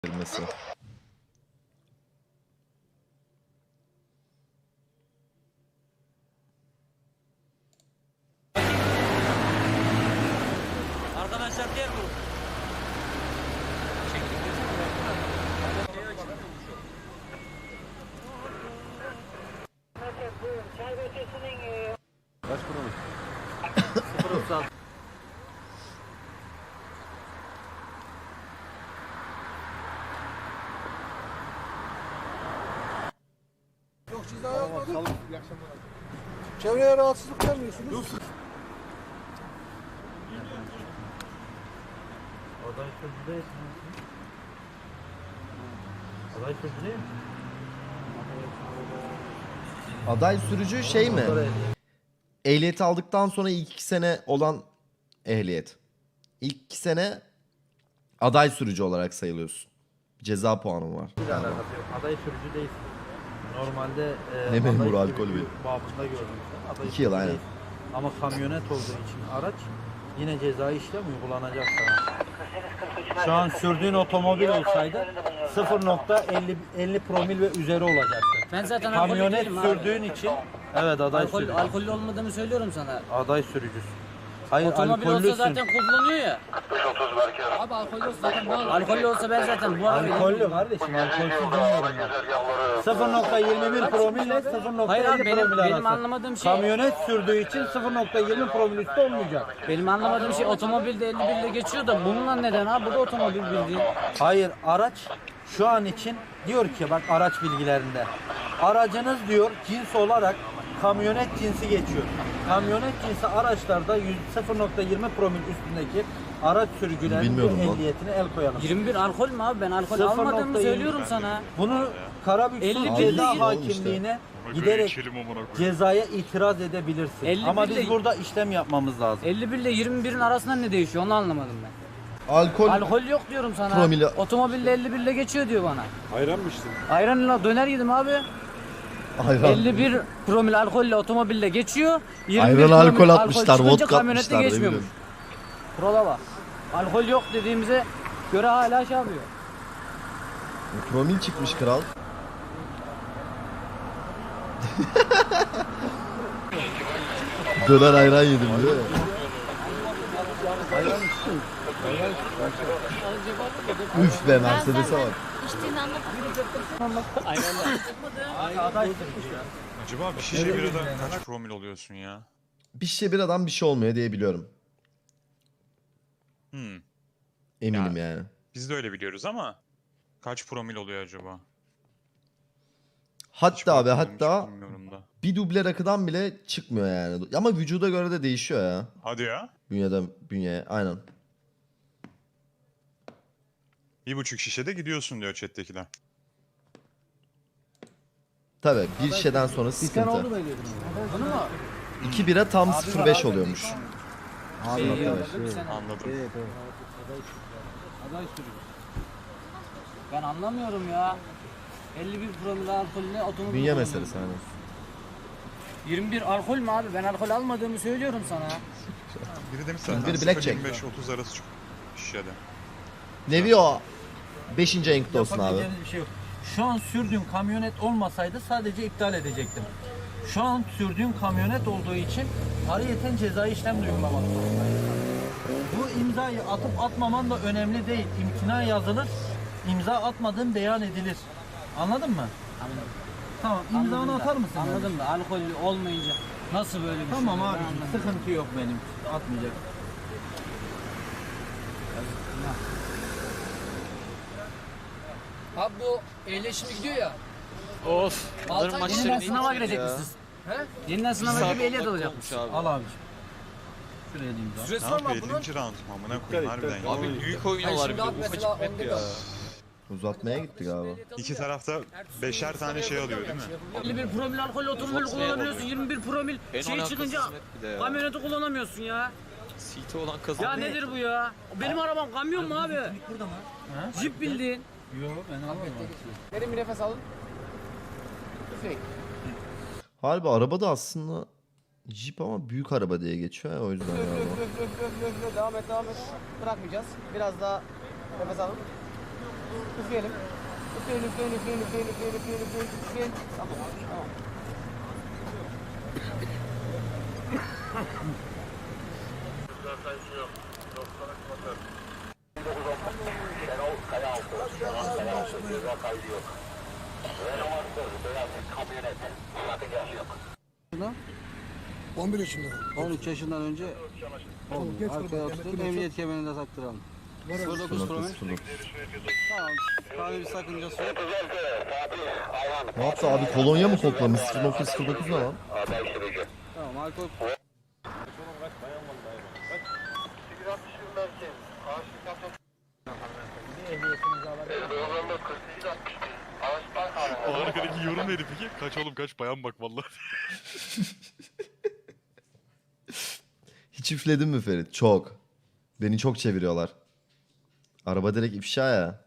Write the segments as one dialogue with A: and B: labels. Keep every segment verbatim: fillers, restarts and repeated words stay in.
A: verilmesi.
B: Arkadaşlar diğer grup.
C: Kaç kurulmuş?
B: sıfır otuz altı.
C: Yok siz daha yazmadınız. İyi akşamlar. Çevreye rahatsızlık vermiyorsunuz.
B: Aday sözcü değil. Aday sözcü değil mi?
A: Aday sürücü şey mi? Ehliyeti aldıktan sonra ilk iki sene olan ehliyet. İlk iki sene aday sürücü olarak sayılıyorsun. Ceza puanın var.
B: Bir alakası yok. Aday sürücü değilsin. Normalde e,
A: Ne memuru,
B: aday
A: alkol
B: sürücü
A: bir.
B: babında görmüşler. Aday
A: İki yıl,
B: sürücü
A: aynen.
B: değilsin. Ama kamyonet olduğu için araç yine cezai işlem uygulanacak sana. Şu an sürdüğün otomobil olsaydı sıfır nokta elli promil ve üzeri olacaktı.
D: Ben zaten alkollü
B: Kamyonet
D: değilim abi.
B: sürdüğün için evet aday
D: Alkol,
B: sürücü.
D: alkollü olmadığımı söylüyorum sana.
B: Aday sürücüsün. Hayır
D: Otomobil olsa
B: alkollüsün.
D: zaten kullanıyor ya. Abi alkollü olsa zaten ne olur? Alkollü olsa ben zaten bu arabayı...
B: Alkollü kardeşim, alkolsüz demiyorum ben. sıfır nokta yirmi bir promil ile sıfır nokta
D: Hayır abi,
B: elli
D: benim-
B: promil arası.
D: benim anlamadığım şey-
B: Kamyonet sürdüğü için sıfır nokta yirmi promil üstü olmayacak.
D: Benim anlamadığım şey otomobilde elli bir ile geçiyor da bununla neden abi? Bu da otomobil bildiğin.
B: Hayır, araç şu an için diyor ki bak araç bilgilerinde. Aracınız diyor cins olarak kamyonet cinsi geçiyor. Kamyonet cinsi araçlarda sıfır nokta yirmi promil üstündeki araç sürücülerinin
A: Bilmiyordum
B: bir
A: lan.
B: ehliyetine el koyalım.
D: yirmi bir alkol mü abi? Ben alkol
B: sıfır
D: almadığımı
B: nokta yirmi
D: söylüyorum sana.
B: Bunu Karabük
D: elli
B: Sulh
D: bir
B: Ceza
D: değil.
B: Hakimliğine giderek cezaya itiraz edebilirsin.
D: elli
B: Ama
D: bir
B: biz
D: ile-
B: burada işlem yapmamız lazım.
D: elli bir ile yirmi birin arasında ne değişiyor onu anlamadım ben.
A: Alkol,
D: Alkol yok diyorum sana.
A: Promili-
D: Otomobilde elli bir ile geçiyor diyor bana.
C: Ayran mı içtin?
D: Ayranla döner yedim abi.
A: ayran.
D: elli bir promil alkolle otomobille geçiyor. yirmi bir
A: Ayran
D: promil
A: alkol atmışlar,
D: çıkınca
A: vodka
D: kamyonette
A: atmışlar, ne
D: geçmiyormuş.
A: bileyim.
D: Kurala bak. Alkol yok dediğimize göre hala şey yapıyor.
A: Promil çıkmış kral. Döner ayran yedim diyor ya. Üf be, Mercedes'e bak.
E: İçtiğini anlatamam.
B: Aday sürücü ya.
F: Acaba bir şişe birada kaç promil oluyorsun ya?
A: Bir şişe bir adam bir şey olmuyor diye biliyorum.
F: Hmm.
A: Eminim
F: Ya.
A: yani.
F: Biz de öyle biliyoruz ama kaç promil oluyor acaba? Hiç
A: Hatta abi
F: bakmadım, hiç
A: hatta
F: bilmiyorum da.
A: bir duble rakıdan bile çıkmıyor yani. Ama vücuda göre de değişiyor ya.
F: Hadi ya.
A: Bünyeden bünyeye aynen.
F: Bir buçuk şişede gidiyorsun diyor chat'tekiler.
A: Tabii bir şişeden sonra sıkıntı.
D: Bunu mu?
A: İki bira tam sıfır virgül beş oluyormuş.
D: Şey,
A: Anladım.
F: Anladım.
D: Aday sürücü. Ben anlamıyorum ya. elli bir promil alkolle otomobil.
A: Bünye
D: kullanıyorum.
A: meselesi hani.
D: yirmi bir alkol mü abi? Ben alkol almadığımı söylüyorum sana.
F: Biri demiş
A: Biri
F: zaten
A: blackjack.
F: sıfır virgül yirmi beş otuz arası çık şişede.
A: Nevi o. Beşinci enkte olsun abi.
B: Yapabileceğimiz bir şey yok. Şu an sürdüğüm kamyonet olmasaydı sadece iptal edecektim. Şu an sürdüğüm kamyonet olduğu için ayrıyeten cezai işlem de uygulamak zorundayım. Bu imzayı atıp atmaman da önemli değil. İmtina yazılır, imza atmadığın beyan edilir. Anladın mı?
D: Anladım.
B: Tamam, imzanı
D: Anladım da,
B: atar mısın?
D: Anladım da alkollü olmayınca nasıl böyle bir şey?
B: Tamam
D: Ben
B: abi,
D: anlamadım.
B: sıkıntı yok benim. Atmayacak.
G: Abi bu eyle şimdi gidiyor ya.
H: Of.
G: Altı
H: Bunların
G: ay
H: maçları
D: Yeniden
H: ne
D: sınava
H: gidecek
D: girecek
H: ya?
D: misiniz?
G: He?
D: Yeniden sınava
H: Saat
D: girip ehliyet
H: on
D: alacak
H: dakika
D: mısın?
H: olmuş abi.
B: Al abiciğim. Şuraya da imza.
F: Ne
G: Süresi var mı
F: yapıyor?
G: abi bunun?
F: ellinci round mu amına koyayım harbiden ya.
H: Abi büyük oynuyorlar bir
G: şimdi
H: de
G: abi
H: ufacık
G: mesela
H: map
G: onda
H: ya.
A: Uzatmaya gitti galiba.
F: İki tarafta beşer tane şey alıyor değil mi?
D: elli bir promil alkol otomobil
H: Çok
D: kullanabiliyorsun.
H: oluyor.
D: yirmi bir promil
H: En
D: şey
H: alakasız
D: çıkınca
H: map bir de ya.
D: kamyoneti kullanamıyorsun ya.
H: C T olan kazandı.
D: Ya nedir bu ya? Benim arabam kamyon mu abi?
B: Burada mı? Ha?
D: Jip bildiğin.
B: Yok ben almadım.
G: Derin bir nefes alın. Üfleyin.
A: Harbi araba da aslında Jeep ama büyük araba diye geçiyor ya, o yüzden
G: Üf
A: galiba.
G: üf üf üf üf üf. Devam et devam et. Bırakmayacağız. Biraz daha nefes alın. Üfleyelim. Üfleyin, üfleyin, üfleyin, üfleyin, üfleyin, üfleyin, üfleyin, üfleyin. Tamam, tamam.
C: on bir yaşında.
D: on üç yaşından önce olmuyor. Arkaya oturtup emniyet kemerini de taktıralım. sıfır dokuz promil. Tamam. Kahve bir sakıncası yok.
A: Ne yaptı abi, kolonya mı koklamış? sıfır nokta sıfır dokuz ne lan?
D: Tamam alkol.
I: O arkadaki yorum neydi peki? Kaç oğlum kaç bayan bak vallahi.
A: Hiç üfledin mi Ferit? Çok. Beni çok çeviriyorlar. Araba direkt ifşa ya.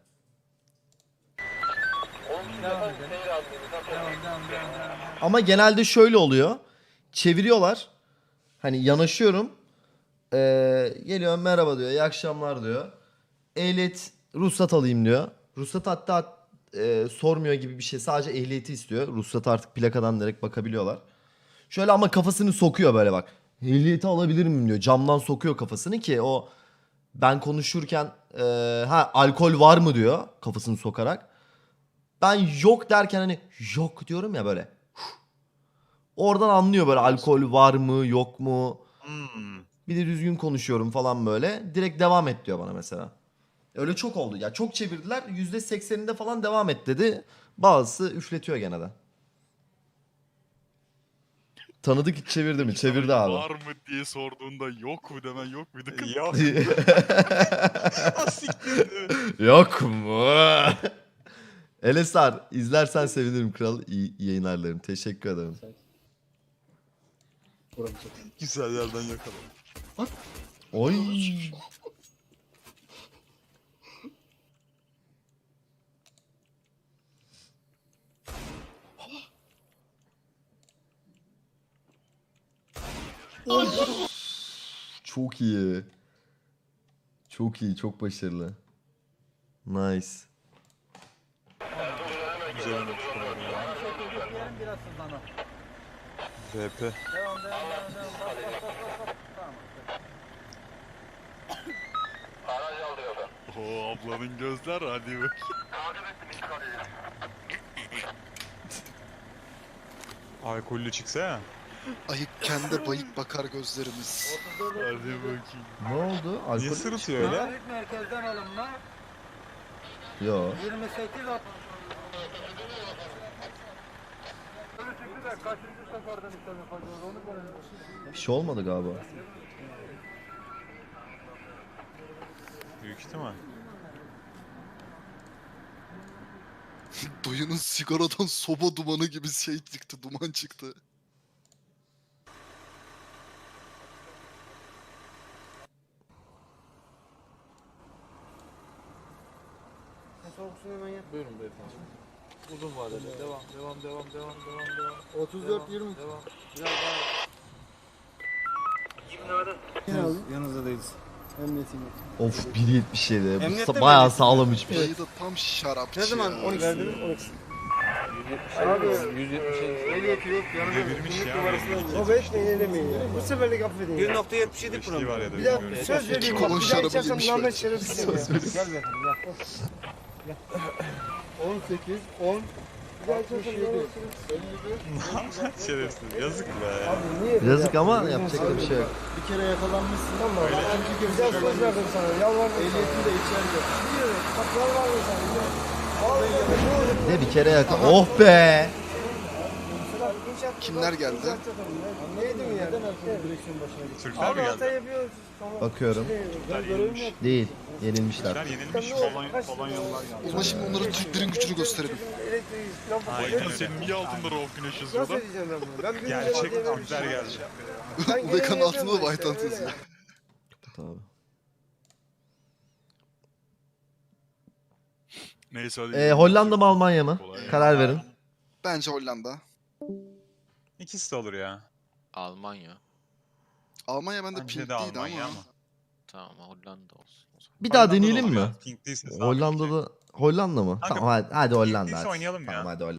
A: Ama genelde şöyle oluyor. Çeviriyorlar. Hani yanaşıyorum. Ee, geliyor merhaba diyor. İyi akşamlar diyor. Ehliyet ruhsat alayım diyor. Ruhsat hatta e, sormuyor gibi bir şey. Sadece ehliyeti istiyor. Ruhsat artık plakadan direkt bakabiliyorlar. Şöyle ama kafasını sokuyor böyle bak. Ehliyeti alabilir miyim diyor. Camdan sokuyor kafasını ki o ben konuşurken e, ha alkol var mı diyor kafasını sokarak. Ben yok derken hani yok diyorum ya böyle. Oradan anlıyor böyle alkol var mı yok mu.
F: Hmm.
A: Bir de düzgün konuşuyorum falan böyle. Direkt devam et diyor bana mesela. Öyle çok oldu. Ya çok çevirdiler. yüzde sekseninde falan devam et dedi. Bazısı üfletiyor gene de. Tanıdık hiç çevirdi mi? Çevirdi abi.
I: Var mı diye sorduğunda yok mu demen yok muydu?
F: Yok.
A: Yok mu? Elesar izlersen sevinirim kral. İyi yayınlar. Teşekkür ederim.
I: Güzel yerden yakaladım.
A: Oy. Çok iyi. Çok iyi, çok başarılı. Nice.
F: Güzel olmuş.
B: Biraz hızlan o.
F: V P.
B: Devam, devam, devam, devam. Bas, bas, bas, bas, bas. Tamam.
I: Oo ablanın gözler hadi bak.
F: Alkollü çıksa ya.
J: Ayıpken de bayık bakar gözlerimiz.
I: Hadi bakayım.
A: Ne oldu? Alkol
F: Niye
A: mü
F: sırıtıyor
A: çıktı?
F: öyle?
B: Büyük merkezden alımla
A: Yo.
B: yirmi sekiz at. Kaçıncı seferden işlem yapacağız onu görelim.
A: Bir şey olmadı galiba.
F: Büyük ihtimal.
J: Dayının sigaradan soba dumanı gibi şey çıktı, duman çıktı.
C: Buyurun beyefendi. Uzun vadeli. Devam, devam, devam, devam, devam, devam. otuz dört yirmi. Devam. Biraz daha. Yanınızda değiliz. Emniyetim yok.
A: Of bir yetmiş yedi. Bu
C: Emniyette
A: sa-
C: mi
A: bayağı
C: emniyette?
A: sağlam içmiş.
J: Dayı da tam şarapçı
C: Ne zaman?
J: ya.
C: on iki verdiniz? on iki.
G: Abi yüz yetmiş
C: Ehliyeti yok. Yanında
F: Devirmiş ya.
C: o beş ne elemeyin ya. Bu seferlik affedin. bir nokta yetmiş yedi
F: Beşliği var ya da
C: Bir daha
F: bilmiyorum.
C: söz vereyim.
J: kolon
C: bak, Bir daha
J: şarabı
C: içersem
J: yemiş
C: namet
J: böyle.
C: şerefsizim ya. Gel beyefendi gel. on sekiz, on, altmış yedi,
F: Şerefsiz. Yazık be.
C: niye?
A: Yazık ama yapacak da bir şey yok.
C: Bir kere yakalanmışsın ama ikinci kez güzel söz verdim sana. Yalvardım. Ehliyetin de içeride. Biliyorum. Bak yalvardım sana. Vallahi
A: Ne bir kere yakın. Oh be.
J: Kimler geldi?
C: Neydi mi ya? Direksiyon başına git.
F: Türkler mi
C: Hata
F: geldi?
C: yapıyoruz. Tamam.
A: Bakıyorum.
C: Ben görevimi yaptım.
A: Değil. Yenilmişler.
F: Türkler yenilmiş. Polon Polonyalılar geldi.
J: Ama şimdi onlara Türklerin gücünü gösterelim.
C: Elektriği, lamba
F: Aynen
C: koyuyor.
F: öyle.
I: Senin niye altında raw güneş
C: Nasıl
I: yazıyor da?
C: edeceğim ben bunu? Ben bir
F: Gerçek
C: gün önce
F: Türkler geldi.
C: Ben
J: Ubekan'ın
C: görevimi
J: altında da
C: yapıyorum
J: White Hunt
C: işte,
J: yazıyor.
A: Tabii.
I: Neyse hadi.
A: Ee, Hollanda mı Almanya mı?
I: Kolay
A: Karar verin.
J: Bence Hollanda.
F: İkisi de olur ya.
H: Almanya.
J: Almanya bende
F: Bence
J: pink
F: de
J: değildi
F: Almanya
J: ama.
F: ama.
H: Tamam Hollanda olsun o zaman.
A: Bir daha
F: Hollanda'da
A: deneyelim
F: olur
A: mi?
F: ya. Pink değilse sağ
A: Hollanda'da Hollanda mı?
F: Kanka,
A: Tamam hadi, hadi Hollanda.
F: biz
A: hadi.
F: oynayalım ya.
A: Tamam hadi Hollanda.